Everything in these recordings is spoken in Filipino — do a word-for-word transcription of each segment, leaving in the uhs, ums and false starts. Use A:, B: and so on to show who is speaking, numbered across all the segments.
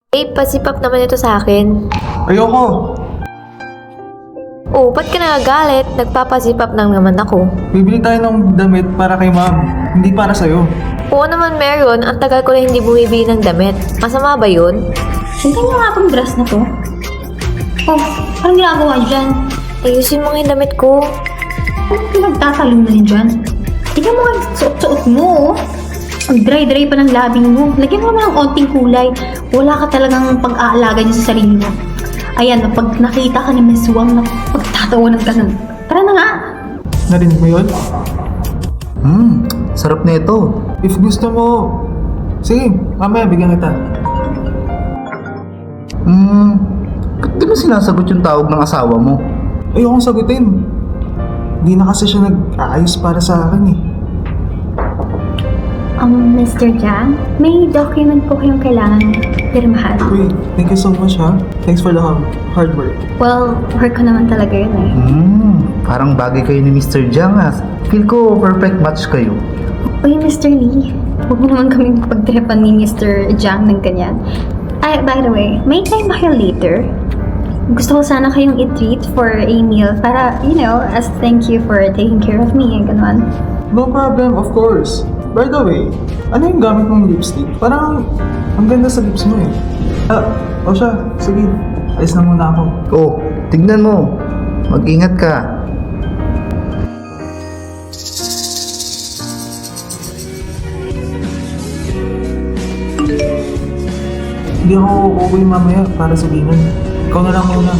A: Eh, pasipap naman ito sa akin.
B: Ayoko!
A: Oh, ba't ka nagagalit? Nagpapasipap lang naman ako.
B: Bibili tayo ng damit para kay ma'am, hindi para sa'yo.
A: Oo naman meron, ang tagal ko na hindi bumibili ng damit. Masama ba yun?
C: Tingnan niyo nga itong dress na to. Oh, parang ginagawa niyo dyan.
A: Ayusin mo nga yung damit ko.
C: Ano pinagtatalong na yun dyan? Tingnan mo nga yung suot-suot mo, oh. Ang dry-dry pa ng labing mo. Lagyan mo naman ng onting kulay. Wala ka talagang pag-aalaga niya sa sarili mo. Ayan, pag nakita ka ni Miss Wang na pagtatawanan ka nun. Tara na nga.
B: Narinig mo yun?
D: Hmm, sarap na ito.
B: If gusto mo, sige, mamaya bigyan kita.
D: Hmm, ba't di mo sinasagot yung tawag ng asawa mo?
B: Ayokong sagutin. Hindi na kasi siya nag-aayos para sa akin eh.
C: Um, Mister Jiang, may document po kayong kailangan pirmahan.
B: Wait, thank you so much ha. Thanks for the hard hard work.
C: Well, work ko naman talaga yun eh.
D: Hmm, parang bagay kayo ni Mister Jiang ah. Feel ko perfect match kayo.
C: Uy, Mister Lee, huwag mo naman kaming pagtrepan ni Mister Jiang ng ganyan. Ay, by the way, may time ba kayo later? Gusto ko sana kayong i-treat for a meal para, you know, as thank you for taking care of me and gano'n.
B: No problem, of course. By the way, ano yung gamit mong lipstick? Parang ang ganda sa lips mo eh. Ah, o siya, sige. Alis na muna ako.
D: Oh, tignan mo. Mag-ingat ka.
B: Hindi ako uuwi mamaya para sa dinner. Ikaw na lang muna.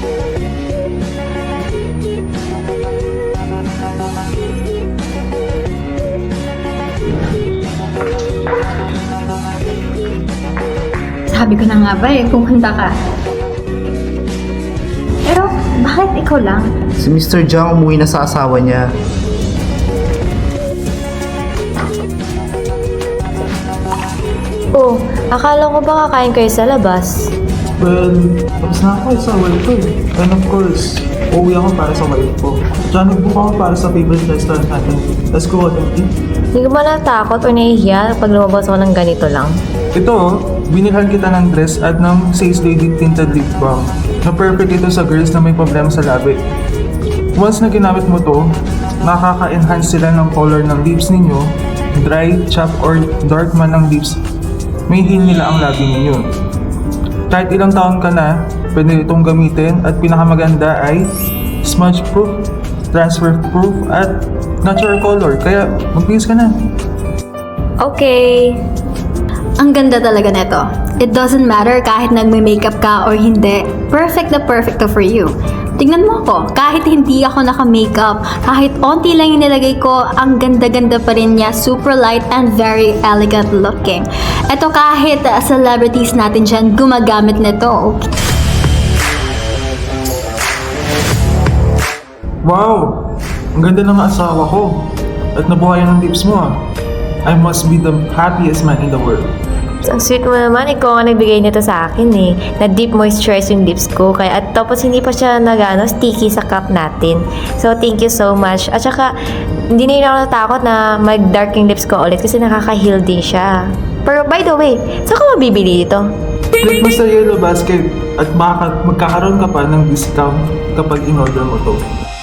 C: Sabi ko na nga ba eh, pumunta ka. Pero, bakit ikaw lang?
D: Si Mister Jiang umuwi na sa asawa niya.
A: Oh, akala ko ba kakain kayo sa labas?
B: Well, tapos na ako sa wife ko eh. And of course, uuwi ako para sa wife ko. Tsaka nag-book ako para sa favorite restaurant natin. Let's go out and eat.
A: Hindi ko ba natakot o nahihiya pag lumabas ako ng ganito lang?
B: Ito oh, binilhan kita ng dress at ng Says Lady Tinted Lip Balm. Na perfect ito sa girls na may problema sa labi. Once na ginamit mo to, makaka-enhance sila ng color ng lips ninyo, dry, chapped, or dark man ng lips, may heal nila ang labi ninyo. Kahit ilang taon ka na, pwede itong gamitin at pinakamaganda ay smudge proof, transfer proof, at natural color. Kaya mag-please ka na.
A: Okay.
C: Ang ganda talaga neto. It doesn't matter kahit nagme-makeup ka or hindi. Perfect na perfect to for you. Tingnan mo ako, kahit hindi ako naka-makeup, kahit onti lang yung nilagay ko, ang ganda-ganda pa rin niya, super light and very elegant looking. Ito kahit uh, celebrities natin dyan gumagamit nito. Okay.
B: Wow! Ang ganda ng asawa ko. At nabuhayan ng lips mo ah. I must be the happiest man in the world.
A: Ang sweet mo naman, ikaw ang nagbigay nito sa akin eh. Na deep moisturize yung lips ko. Kaya, at tapos hindi pa siya nagano sticky sa cup natin. So, thank you so much. At saka, hindi na yun ako natakot na mag-dark yung lips ko ulit kasi nakaka-heal din siya. Pero by the way, saan ka mabibili dito?
B: Click mo sa yellow basket at baka magkakaroon ka pa ng discount kapag in-order mo to.